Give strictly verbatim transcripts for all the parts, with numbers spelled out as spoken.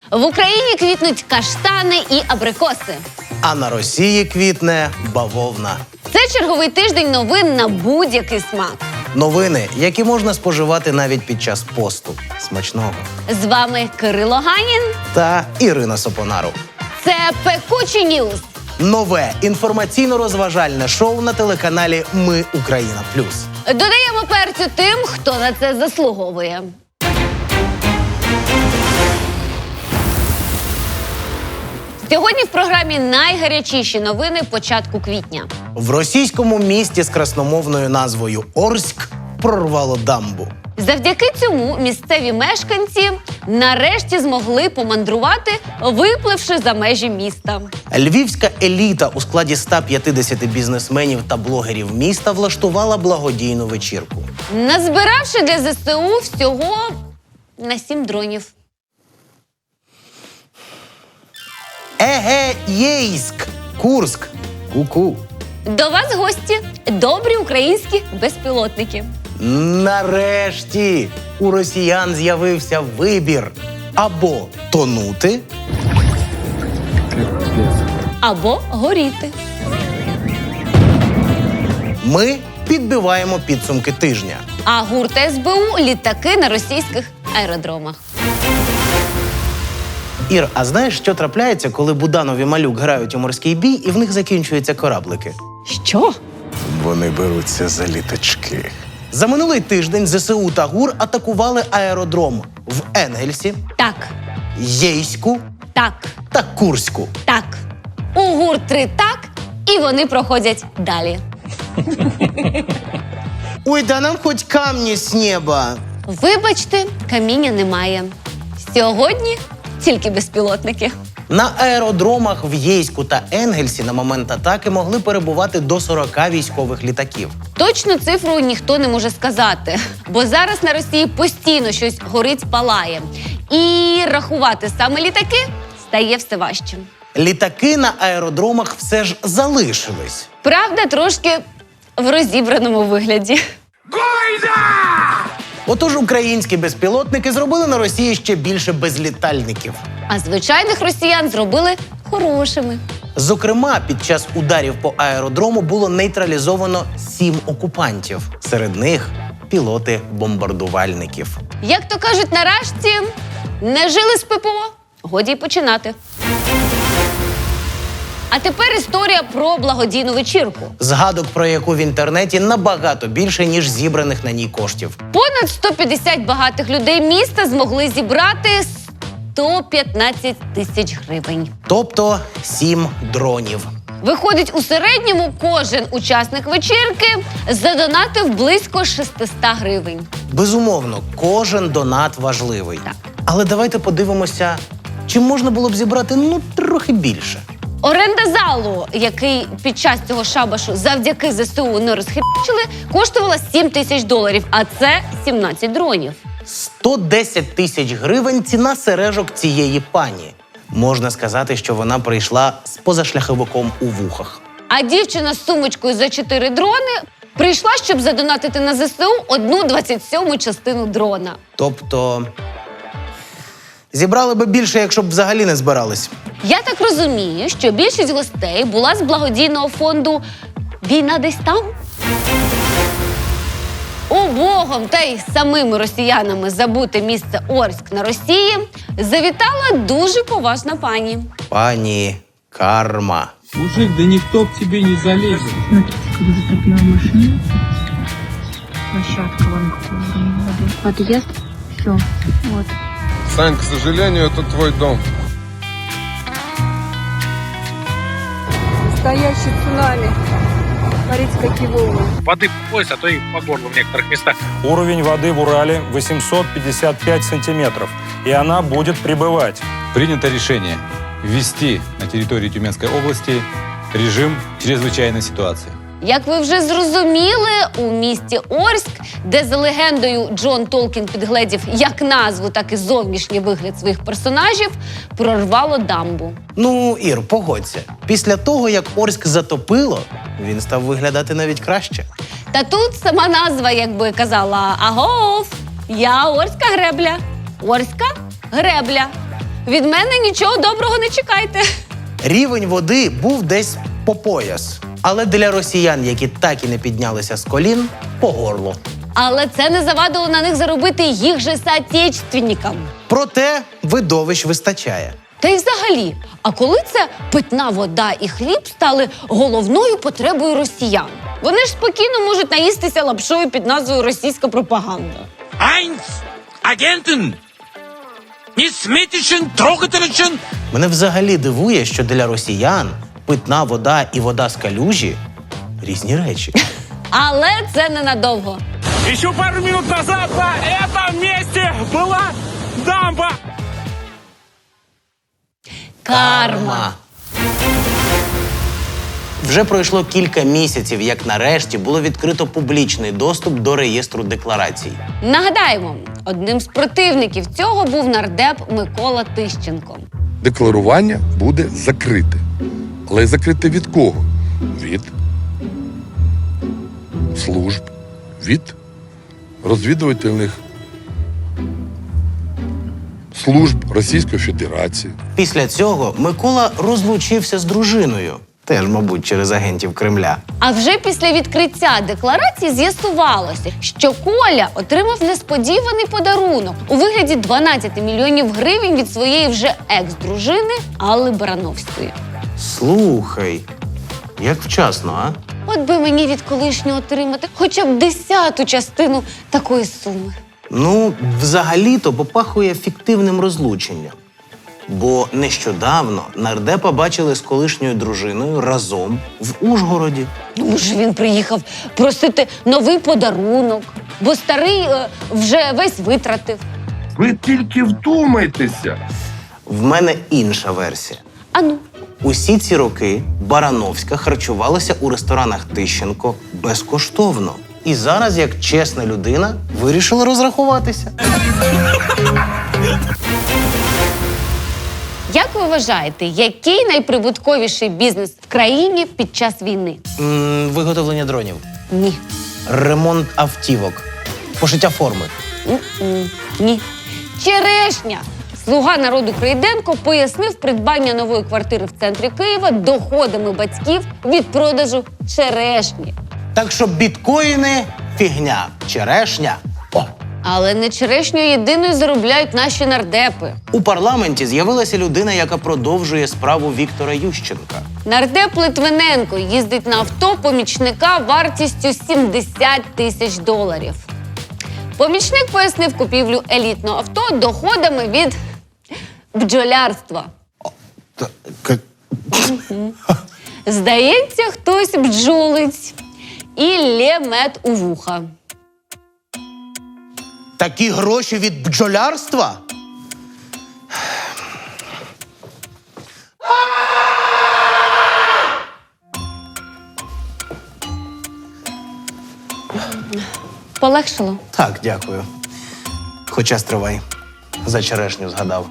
В Україні квітнуть каштани і абрикоси. А на Росії квітне бавовна. Це черговий тиждень новин на будь-який смак. Новини, які можна споживати навіть під час посту. Смачного. З вами Кирило Ганін. Та Ірина Сопонару. Це «Пекучі Ньюз». Нове інформаційно-розважальне шоу на телеканалі Ми Україна Плюс. Додаємо перцю тим, хто на це заслуговує. Сьогодні в програмі найгарячіші новини початку квітня. В російському місті з красномовною назвою Орськ прорвало дамбу. Завдяки цьому місцеві мешканці нарешті змогли помандрувати, випливши за межі міста. Львівська еліта у складі ста п'ятдесяти бізнесменів та блогерів міста влаштувала благодійну вечірку. Назбиравши для зе се у всього на сім дронів. Еге, Єйськ! Курськ! Ку-ку! До вас гості – добрі українські безпілотники. Нарешті у росіян з'явився вибір. Або тонути, Або горіти. ми підбиваємо підсумки тижня. А гурт ес бе у – літаки на російських аеродромах. Ір, а знаєш, що трапляється, коли Буданов і Малюк грають у морський бій і в них закінчуються кораблики? Що? Вони беруться за літачки. За минулий тиждень зе се у та ГУР атакували аеродром в Енгельсі, Так, Єйську так, та Курську. так. У гурт три так, і вони проходять далі. Ой, да нам хоч камні з неба. Вибачте, каміння немає. Сьогодні тільки безпілотники. На аеродромах в Єйську та Енгельсі на момент атаки могли перебувати до сорока військових літаків. Точну цифру ніхто не може сказати, бо зараз на Росії постійно щось горить, палає. І рахувати саме літаки стає все важче. Літаки на аеродромах все ж залишились. Правда, трошки в розібраному вигляді. Отож, українські безпілотники зробили на Росії ще більше безлітальників. А звичайних росіян зробили хорошими. Зокрема, під час ударів по аеродрому було нейтралізовано сім окупантів. Серед них пілоти бомбардувальників. Як то кажуть на рашці, не жили з пе пе о, годі й починати. А тепер історія про благодійну вечірку. Згадок про яку в інтернеті набагато більше, ніж зібраних на ній коштів. Понад сто п'ятдесят багатих людей міста змогли зібрати сто п'ятнадцять тисяч гривень. Тобто сім дронів. Виходить, у середньому кожен учасник вечірки задонатив близько шістсот гривень. Безумовно, кожен донат важливий. Так. Але давайте подивимося, чи можна було б зібрати, ну, трохи більше. Оренда залу, який під час цього шабашу завдяки зе се у не розхибачили, коштувала сім тисяч доларів, а це сімнадцять дронів. сто десять тисяч гривень ціна сережок цієї пані. Можна сказати, що вона прийшла з позашляховиком у вухах. А дівчина з сумочкою за чотири дрони прийшла, щоб задонатити на зе се у одну двадцять сьому частину дрона. Тобто, зібрали би більше, якщо б взагалі не збирались. Я так розумію, що більшість гостей була з благодійного фонду «Війна десь там». Убогом та й самими росіянами забуте місце Орськ на Росії завітала дуже поважна пані. Пані Карма. Мужик, да никто к тебе не залезет. Смотрите, как затопила машину. Площадка вон какой уровень воды. Подъезд. Все. Вот. Сань, к сожалению, это твой дом. Настоящий цунами. Смотрите, какие волны. Воды по пояс, а то и по горлу в некоторых местах. Уровень воды в Урале восемьсот пятьдесят пять сантиметров, и она будет прибывать. Принято решение ввести на территории Тюменской области режим чрезвычайной ситуации. Як ви вже зрозуміли, у місті Орськ, де за легендою Джон Толкін підгледів як назву, так і зовнішній вигляд своїх персонажів, прорвало дамбу. Ну, Ір, погодься. Після того, як Орськ затопило, він став виглядати навіть краще. Та тут сама назва якби казала «Агов, я Орська гребля». Орська гребля. від мене нічого доброго не чекайте. Рівень води був десь по пояс. Але для росіян, які так і не піднялися з колін, по горло. Але це не завадило на них заробити їх же соотечественникам. Проте видовищ вистачає. Та й взагалі, а коли це питна вода і хліб стали головною потребою росіян? Вони ж спокійно можуть наїстися лапшою під назвою «російська пропаганда». Eins, Agenten! Nicht smitischen, trogatelischen! Мене взагалі дивує, що для росіян питна вода і вода з калюжі – різні речі. Але це ненадовго. Еще пару минут назад на этом месте была дамба! Карма. Вже пройшло кілька місяців, як нарешті було відкрито публічний доступ до реєстру декларацій. Нагадаємо, одним з противників цього був нардеп Микола Тищенко. Декларування буде закрите. Але закрите від кого? Від служб, від розвідувальних служб Російської Федерації. Після цього Микола розлучився з дружиною. Теж, мабуть, через агентів Кремля. А вже після відкриття декларації з'ясувалося, що Коля отримав несподіваний подарунок у вигляді дванадцяти мільйонів гривень від своєї вже екс-дружини Алли Барановської. Слухай, як вчасно, а? От би мені від колишнього отримати хоча б десяту частину такої суми. Ну, взагалі-то попахує фіктивним розлученням. Бо нещодавно нардепа бачили з колишньою дружиною разом в Ужгороді. Ну, може, він приїхав просити новий подарунок, бо старий е, вже весь витратив. Ви тільки вдумайтеся. В мене інша версія. Ану, Усі ці роки Барановська харчувалася у ресторанах Тищенко безкоштовно. І зараз, як чесна людина, вирішила розрахуватися. як ви вважаєте, який найприбутковіший бізнес в країні під час війни? М, виготовлення дронів. Ні. Ремонт автівок. Пошиття форми. М-м. Ні. Черешня. Слуга народу Крейденко пояснив придбання нової квартири в центрі Києва доходами батьків від продажу черешні. Так що біткоїни – фігня. Черешня – о! Але не черешню єдиною заробляють наші нардепи. У парламенті з'явилася людина, яка продовжує справу Віктора Ющенка. Нардеп Литвиненко їздить на авто помічника вартістю сімдесят тисяч доларів. Помічник пояснив купівлю елітного авто доходами від бджолярства. Здається, хтось бджолить і лє мед у вуха. Такі гроші від бджолярства? Полегшало? Так, дякую. Хоча стривай. За черешню згадав.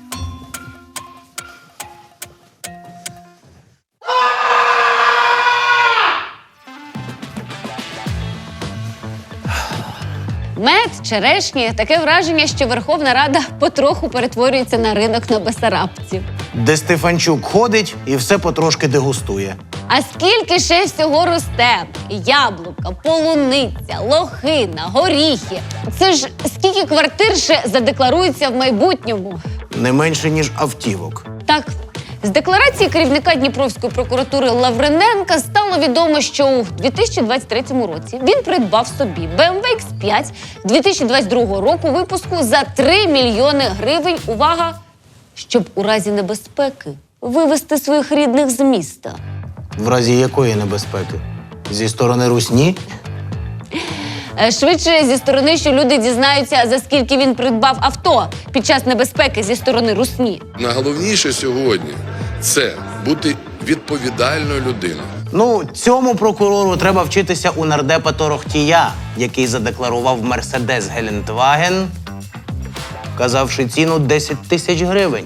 Мед, черешні – таке враження, що Верховна Рада потроху перетворюється на ринок на Бесарабці. Де Стефанчук ходить і все потрошки дегустує. А скільки ще всього росте? Яблука, полуниця, лохина, горіхи. Це ж скільки квартир ще задекларується в майбутньому? Не менше, ніж автівок. Так, з декларації керівника Дніпровської прокуратури Лавриненка стало відомо, що у дві тисячі двадцять третьому році він придбав собі бе ем ве ікс п'ять дві тисячі двадцять другого року випуску за три мільйони гривень, увага, щоб у разі небезпеки вивезти своїх рідних з міста. В разі якої небезпеки? Зі сторони русні? Е, Швидше зі сторони, що люди дізнаються, за скільки він придбав авто під час небезпеки зі сторони русні. Найголовніше сьогодні – це бути відповідальною людиною. Ну, цьому прокурору треба вчитися у нардепа Торохтія, який задекларував Мерседес Гелендваген, вказавши ціну десять тисяч гривень.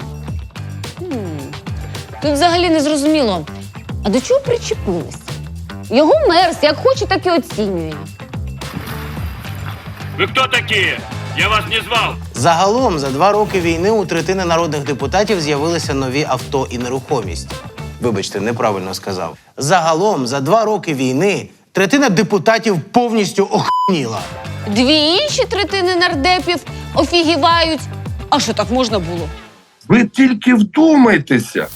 Тут взагалі не зрозуміло, а до чого причепилися? Його мерз як хоче, так і оцінює. Вы кто такие? Я вас не звал. Загалом, за два роки війни у третини народних депутатів з'явилися нові авто і нерухомість. Вибачте, неправильно сказав. Загалом, за два роки війни третина депутатів повністю охуніла. Дві інші третини нардепів офігівають. А що так можна було? Ви тільки вдумайтеся.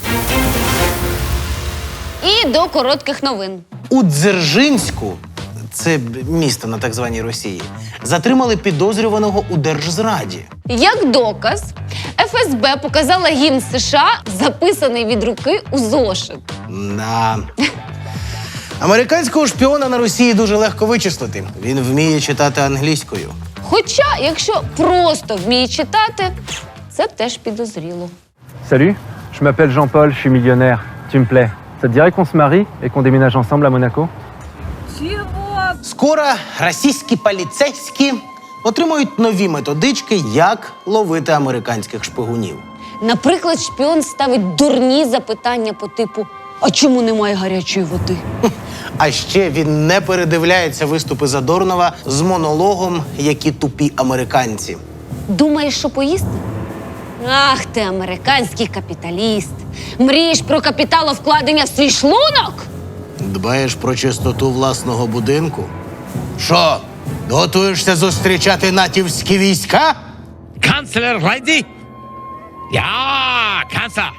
І до коротких новин. У Дзержинську, це місто на так званій Росії, затримали підозрюваного у держзраді. Як доказ, еф ес бе показала гімн США, записаний від руки у зошит. Да. Американського шпіона на Росії дуже легко вичислити. Він вміє читати англійською. Хоча, якщо просто вміє читати, це теж підозріло. Salut, je m'appelle Jean-Paul, je suis millionnaire. Tu me plais. Ça te dirait qu'on se marie et qu'on déménage ensemble à Monaco? Скоро російські поліцейські отримують нові методички, як ловити американських шпигунів. Наприклад, шпіон ставить дурні запитання по типу «А чому немає гарячої води?» А ще він не передивляється виступи Задорнова з монологом «Які тупі американці». Думаєш, що поїсти? Ах ти, американський капіталіст! Мрієш про капіталовкладення в свій шлунок? Дбаєш про чистоту власного будинку? Що, готуєшся зустрічати натівські війська? Канцлер, войди. Я, канцлер.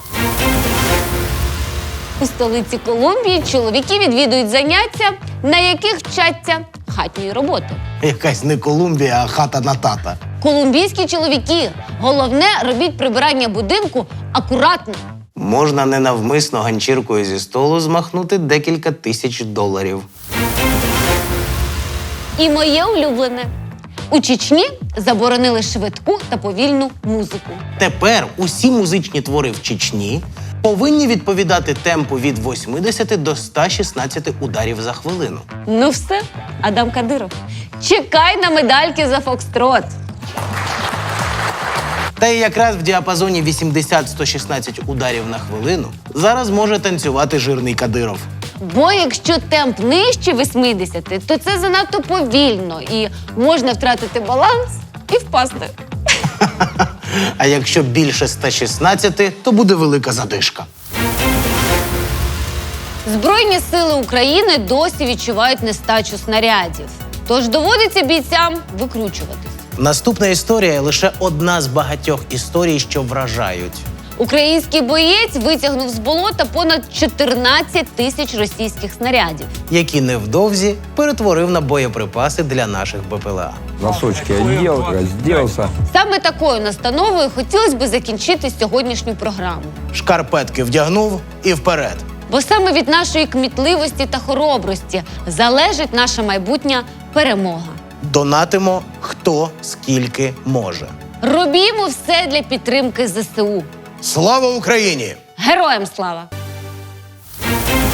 У столиці Колумбії чоловіки відвідують заняття, на яких вчаться хатньої роботи. Якась не Колумбія, а хата на тата. Колумбійські чоловіки, головне, робіть прибирання будинку акуратно. Можна ненавмисно ганчіркою зі столу змахнути декілька тисяч доларів. І моє улюблене. У Чечні заборонили швидку та повільну музику. Тепер усі музичні твори в Чечні повинні відповідати темпу від восьмидесяти до ста шістнадцяти ударів за хвилину. Ну все, Адам Кадиров. Чекай на медальки за фокстрот. Та й якраз в діапазоні вісімдесят - сто шістнадцять ударів на хвилину зараз може танцювати жирний Кадиров. Бо якщо темп нижче восьмидесяти, то це занадто повільно і можна втратити баланс і впасти. А якщо більше ста шістнадцяти, то буде велика задишка. Збройні сили України досі відчувають нестачу снарядів. Тож доводиться бійцям викручуватись. Наступна історія – лише одна з багатьох історій, що вражають. Український боєць витягнув з болота понад чотирнадцять тисяч російських снарядів. Які невдовзі перетворив на боєприпаси для наших Бе Пе Еле А. Носочки одел, разделся. Саме такою настановою хотілося б закінчити сьогоднішню програму. Шкарпетки вдягнув і вперед. Бо саме від нашої кмітливості та хоробрості залежить наша майбутня перемога. Донатимо хто скільки може. Робімо все для підтримки зе се у. Слава Україні! Героям слава!